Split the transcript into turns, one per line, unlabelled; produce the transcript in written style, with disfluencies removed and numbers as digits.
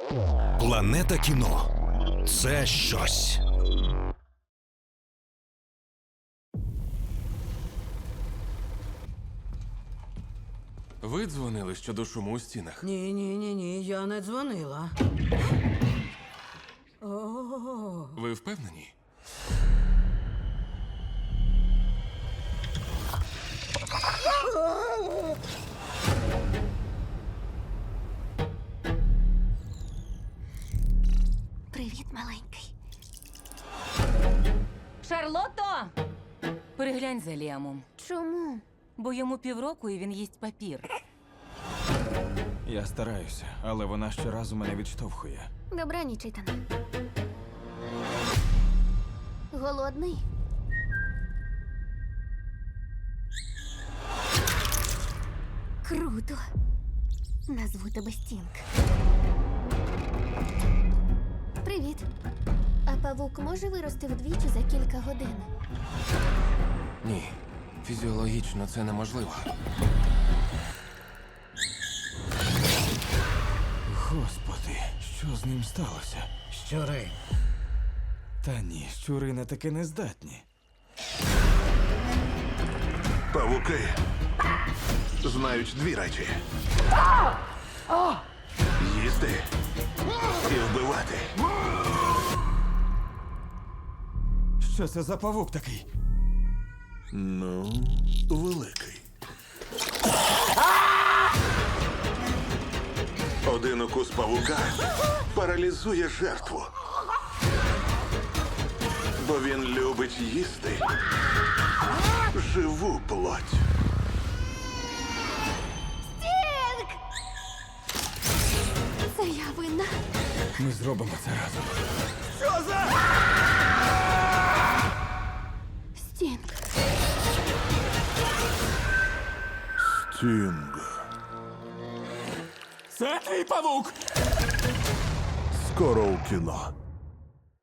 Планета кіно – це щось.
Ви дзвонили щодо шуму у стінах?
Ні, я не дзвонила. О,
Ви впевнені?
Привіт, маленький.
Шарлотто! Переглянь за Ліамом,
Чому?
бо йому півроку і він їсть папір.
Я стараюся, але вона щоразу мене відштовхує.
Добраніч, Ітане. Голодний? Круто. Назву тебе Стінг. Привіт. А павук може вирости вдвічі за кілька годин?
Ні. Фізіологічно це неможливо.
Господи, що з ним сталося?
щури.
Та ні, щури на таке не здатні.
Павуки знають дві речі: їсти і вбивати.
Що це за павук такий?
Ну, великий. Один укус павука паралізує жертву. Бо він любить їсти живу плоть.
Стінг! Це я винна.
Ми зробимо це разом.
Стінг.
Стінг.
Це твій павук!
Скоро у кіно.